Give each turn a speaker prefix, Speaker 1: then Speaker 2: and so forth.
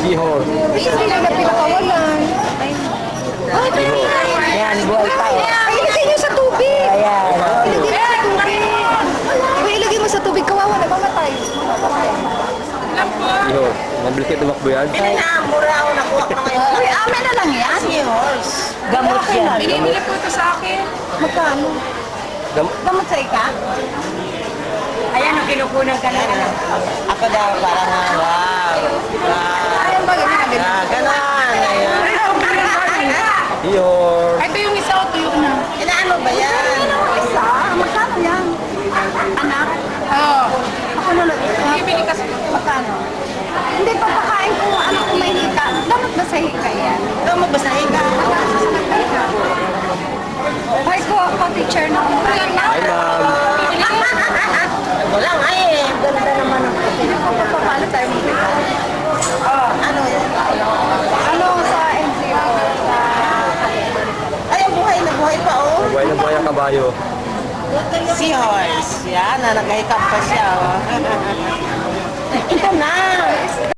Speaker 1: Seahorse.
Speaker 2: Kasi hindi na pinakawalan. Ay,
Speaker 3: Yan, buhay pa.
Speaker 2: ay, ilagay niyo sa tubig.
Speaker 3: Ayan.
Speaker 2: Ilagay mo sa tubig. Iba ilagay mo sa tubig, kawawa na mamatay.
Speaker 1: Seahorse. Mabilis kayo tumakbo yan.
Speaker 3: Mura ako nakuha ko ngayon.
Speaker 2: Uy, amin na lang yan.
Speaker 3: Seahorse. Gamot yan.
Speaker 2: Binibili po ito sa akin. Magkano? Gamot sa ika?
Speaker 3: Ayan, ang kinukunan ka na. Ako daw, parang wow.
Speaker 2: Ayan ba, ganyan.
Speaker 3: Ganon. Ayan.
Speaker 1: Seahorse.
Speaker 2: Ito yung isa o tuyo na.
Speaker 3: Ilaan mo ba yan?
Speaker 2: Isa? Magkano yan? Anak? Oo. Ako na lang. Bibili kasi. Magkano? Hindi, papakain ko ano kung may hika. Dapat ba sa hika yan?
Speaker 3: Ikaw magbasahin ka.
Speaker 2: Ay ko, ako teacher na ako.
Speaker 1: Hi, ma'am.
Speaker 3: Wala nga eh. Ganda naman ang
Speaker 2: Paano tayo magbigay?
Speaker 3: ano yan?
Speaker 2: Ano sa NGO?
Speaker 3: Ay, ang buhay na buhay pa oh.
Speaker 1: Buhay na buhay ang kabayo.
Speaker 3: Seahorse. Yan, nagahikap pa siya oh. Ito na.